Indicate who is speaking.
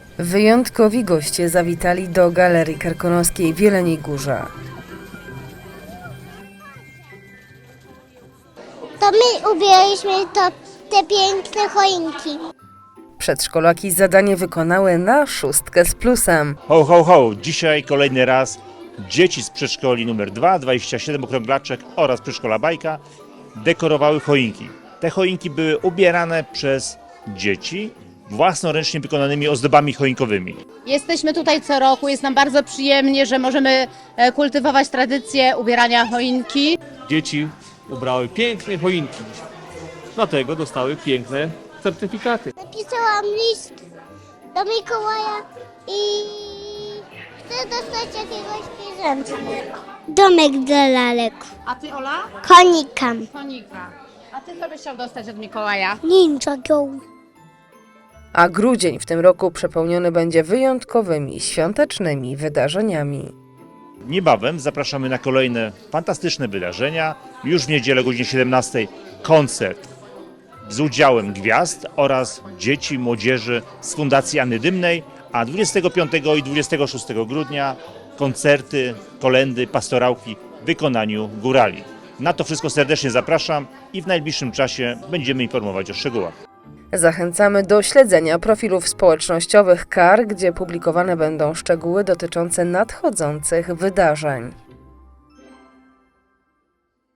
Speaker 1: Wyjątkowi goście zawitali do Galerii Karkonoskiej w Jeleniej Górze.
Speaker 2: To my ubieraliśmy te piękne choinki.
Speaker 1: Przedszkolaki zadanie wykonały na 6 z plusem.
Speaker 3: Ho, ho, ho! Dzisiaj kolejny raz dzieci z przedszkoli numer 2, 27 Okrąglaczek oraz przedszkola Bajka dekorowały choinki. Te choinki były ubierane przez dzieci własnoręcznie wykonanymi ozdobami choinkowymi.
Speaker 4: Jesteśmy tutaj co roku, jest nam bardzo przyjemnie, że możemy kultywować tradycję ubierania choinki.
Speaker 5: Dzieci ubrały piękne choinki, dlatego dostały piękne certyfikaty.
Speaker 2: Napisałam list do Mikołaja i chcę dostać jakiegoś zwierzęcia. Domek dla lalek.
Speaker 4: A ty, Ola?
Speaker 2: Konika.
Speaker 4: Konika. A ty co byś chciał dostać od Mikołaja?
Speaker 2: Ninja Go.
Speaker 1: A grudzień w tym roku przepełniony będzie wyjątkowymi, świątecznymi wydarzeniami.
Speaker 3: Niebawem zapraszamy na kolejne fantastyczne wydarzenia. Już w niedzielę o godzinie 17 koncert z udziałem gwiazd oraz dzieci, młodzieży z Fundacji Anny Dymnej, a 25 i 26 grudnia koncerty, kolędy, pastorałki w wykonaniu górali. Na to wszystko serdecznie zapraszam i w najbliższym czasie będziemy informować o szczegółach.
Speaker 1: Zachęcamy do śledzenia profilów społecznościowych KAR, gdzie publikowane będą szczegóły dotyczące nadchodzących wydarzeń.